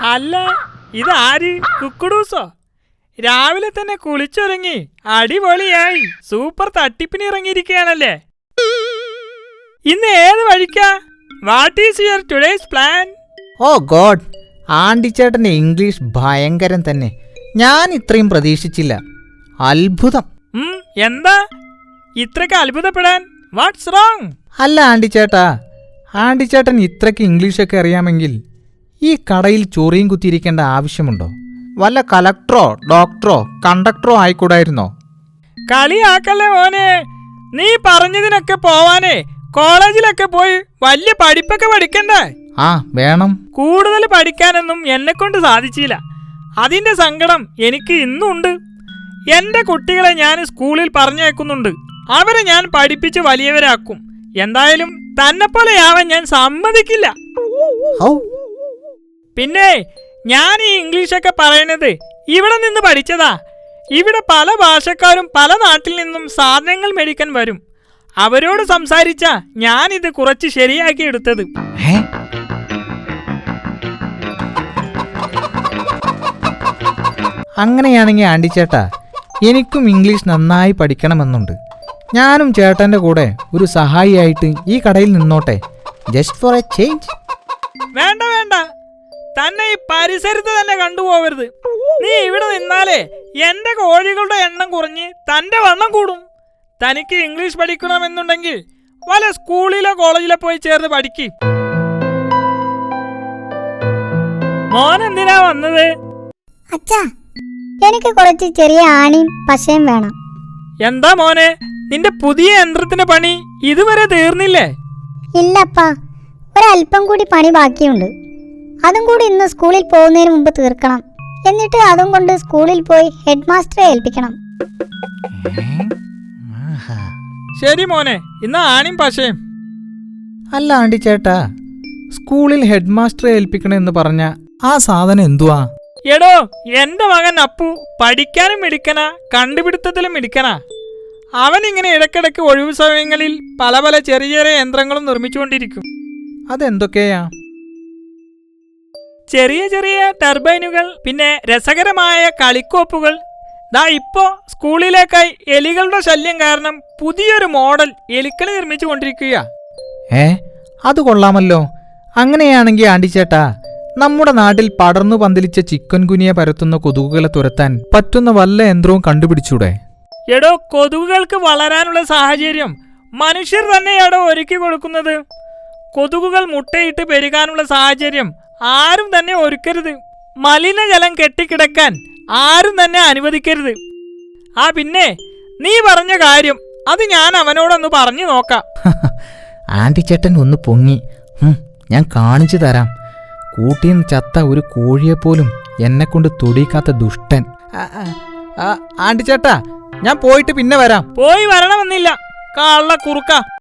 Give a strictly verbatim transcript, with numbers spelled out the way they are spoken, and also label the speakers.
Speaker 1: അല്ല, ഇതാര്? കുക്കുടൂസോ? രാവിലെ തന്നെ കുളിച്ചൊരുങ്ങി അടിപൊളിയായി സൂപ്പർ തട്ടിപ്പിന് ഇറങ്ങിയിരിക്കുകയാണല്ലേ. ഇന്ന് ഏത് വഴിക്കാ? What is your today's plan?
Speaker 2: Oh god, ആണ്ടിച്ചേട്ടന്റെ ഇംഗ്ലീഷ് ഭയങ്കരം തന്നെ. ഞാൻ ഇത്രയും പ്രതീക്ഷിച്ചില്ല. അത്ഭുതം.
Speaker 1: എന്താ ഇത്രയ്ക്ക് അത്ഭുതപ്പെടാൻ? What's wrong?
Speaker 2: അല്ല ആണ്ടിച്ചേട്ടാ, ആണ്ടിച്ചേട്ടൻ ഇത്രയ്ക്ക് ഇംഗ്ലീഷൊക്കെ അറിയാമെങ്കിൽ ഈ കടയിൽ ചൊറിയും കുത്തിയിരിക്കേണ്ട ആവശ്യമുണ്ടോ? വല്ല കലക്ടറോ ഡോക്ടറോ കണ്ടക്ടറോ ആയിക്കൂടായിരുന്നോ?
Speaker 1: കളിയാക്കല്ലേ മോനെ. നീ പറഞ്ഞതിനൊക്കെ പോവാനേ കോളേജിലൊക്കെ പോയി വലിയ പഠിപ്പൊക്കെ പഠിക്കണ്ടേ?
Speaker 2: ആ വേണം.
Speaker 1: കൂടുതൽ പഠിക്കാനൊന്നും എന്നെ കൊണ്ട് സാധിച്ചില്ല. അതിന്റെ സങ്കടം എനിക്ക് ഇന്നുണ്ട്. എന്റെ കുട്ടികളെ ഞാൻ സ്കൂളിൽ പറഞ്ഞേക്കുന്നുണ്ട്. അവരെ ഞാൻ പഠിപ്പിച്ച് വലിയവരാക്കും. എന്തായാലും തന്നെ പോലെയാവാൻ ഞാൻ സമ്മതിക്കില്ല. പിന്നെ ഞാൻ ഈ ഇംഗ്ലീഷൊക്കെ പറയണത് ഇവിടെ നിന്ന് പഠിച്ചതാ. ഇവിടെ പല ഭാഷക്കാരും പല നാട്ടിൽ നിന്നും സാധനങ്ങൾ മേടിക്കാൻ വരും. അവരോട് സംസാരിച്ച ഞാനിത് കുറച്ച് ശരിയാക്കി എടുത്തത്.
Speaker 2: അങ്ങനെയാണെങ്കിൽ ആണ്ടിച്ചേട്ടാ, എനിക്കും ഇംഗ്ലീഷ് നന്നായി പഠിക്കണമെന്നുണ്ട്. ഞാനും ചേട്ടന്റെ കൂടെ ഒരു സഹായിയായിട്ട് ഈ കടയിൽ നിന്നോട്ടെ, ജസ്റ്റ് ഫോർ എ ചേഞ്ച്.
Speaker 1: വേണ്ട വേണ്ട, തന്നെ ഈ പരിസരത്ത് തന്നെ കണ്ടുപോകരുത്. നീ ഇവിടെ നിന്നാലേ എന്റെ കോഴികളുടെ എണ്ണം കുറഞ്ഞ് തന്റെ വണ്ണം കൂടും. തനിക്ക് ഇംഗ്ലീഷ് പഠിക്കണമെന്നുണ്ടെങ്കിൽ വല്ല സ്കൂളിലോ കോളേജിലോ പോയി ചേർന്ന് പഠിക്ക്. മോൻ എന്തിനാ വന്നത്?
Speaker 3: അച്ഛാ, എനിക്ക് കുറച്ച് ചെറിയ ആണിയും പശയും വേണം.
Speaker 1: എന്താ മോനെ, നിന്റെ പുതിയ യന്ത്രത്തിന്റെ പണി ഇതുവരെ തീർന്നില്ലേ?
Speaker 3: ഇല്ലപ്പാ, ഒരല്പം കൂടി പണി ബാക്കിയുണ്ട്. അതും കൂടി ഇന്ന് സ്കൂളിൽ പോകുന്നതിന് മുമ്പ് തീർക്കണം. എന്നിട്ട് അതും കൊണ്ട് സ്കൂളിൽ പോയി ഹെഡ് മാസ്റ്ററെ ഏൽപ്പിക്കണം.
Speaker 1: ശരി മോനെ, ഇന്ന് ആണിയും പശയും.
Speaker 2: അല്ല ആണ്ടിച്ചേട്ടാ, സ്കൂളിൽ ഹെഡ് മാസ്റ്ററെ ഏൽപ്പിക്കണമെന്ന് പറഞ്ഞ ആ സാധനം എന്തുവാ?
Speaker 1: എടോ, എന്റെ മകൻ അപ്പു പഠിക്കാനും മിടുക്കനാ, കണ്ടുപിടുത്തത്തിലും മിടുക്കനാ. അവൻ ഇങ്ങനെ ഇടയ്ക്കിടയ്ക്ക് ഒഴിവു സമയങ്ങളിൽ പല പല ചെറിയ ചെറിയ യന്ത്രങ്ങളും നിർമ്മിച്ചുകൊണ്ടിരിക്കും.
Speaker 2: അതെന്തൊക്കെയാ?
Speaker 1: ചെറിയ ചെറിയ ടർബൈനുകൾ, പിന്നെ രസകരമായ കളിക്കോപ്പുകൾ. ദാ ഇപ്പോ സ്കൂളിലേക്കായി എലികളുടെ ശല്യം കാരണം പുതിയൊരു മോഡൽ എലിക്കളി നിർമ്മിച്ചു കൊണ്ടിരിക്കുക.
Speaker 2: ഏ, അത് കൊള്ളാമല്ലോ. അങ്ങനെയാണെങ്കിൽ ആണ്ടിച്ചേട്ടാ, നമ്മുടെ നാട്ടിൽ പടർന്നു പന്തലിച്ച ചിക്കൻ ഗുനിയ പരത്തുന്ന കൊതുകുകളെ തുരത്താൻ പറ്റുന്ന വല്ല യന്ത്രവും കണ്ടുപിടിച്ചൂടെ?
Speaker 1: എടോ, കൊതുകുകൾക്ക് വളരാനുള്ള സാഹചര്യം മനുഷ്യർ തന്നെയാടോ ഒരുക്കി കൊടുക്കുന്നത്. കൊതുകുകൾ മുട്ടയിട്ട് പെരുകാനുള്ള സാഹചര്യം ആരും തന്നെ ഒരുക്കരുത്. മലിനജലം കെട്ടിക്കിടക്കാൻ ആരും തന്നെ അനുവദിക്കരുത്. ആ പിന്നെ നീ പറഞ്ഞ കാര്യം അത് ഞാൻ അവനോടൊന്ന് പറഞ്ഞു നോക്കാം.
Speaker 2: ആന്റിച്ചേട്ടൻ ഒന്ന് പൊങ്ങി. ഞാൻ കാണിച്ചു തരാം. കൂട്ടിന്ന് ചത്ത ഒരു കോഴിയെപ്പോലും എന്നെ കൊണ്ട് തൊടിക്കാത്ത ദുഷ്ടൻ. ആന്റിച്ചേട്ടാ, ഞാൻ പോയിട്ട് പിന്നെ വരാം.
Speaker 1: പോയി വരണമെന്നില്ല, കള്ള കുറുക്ക.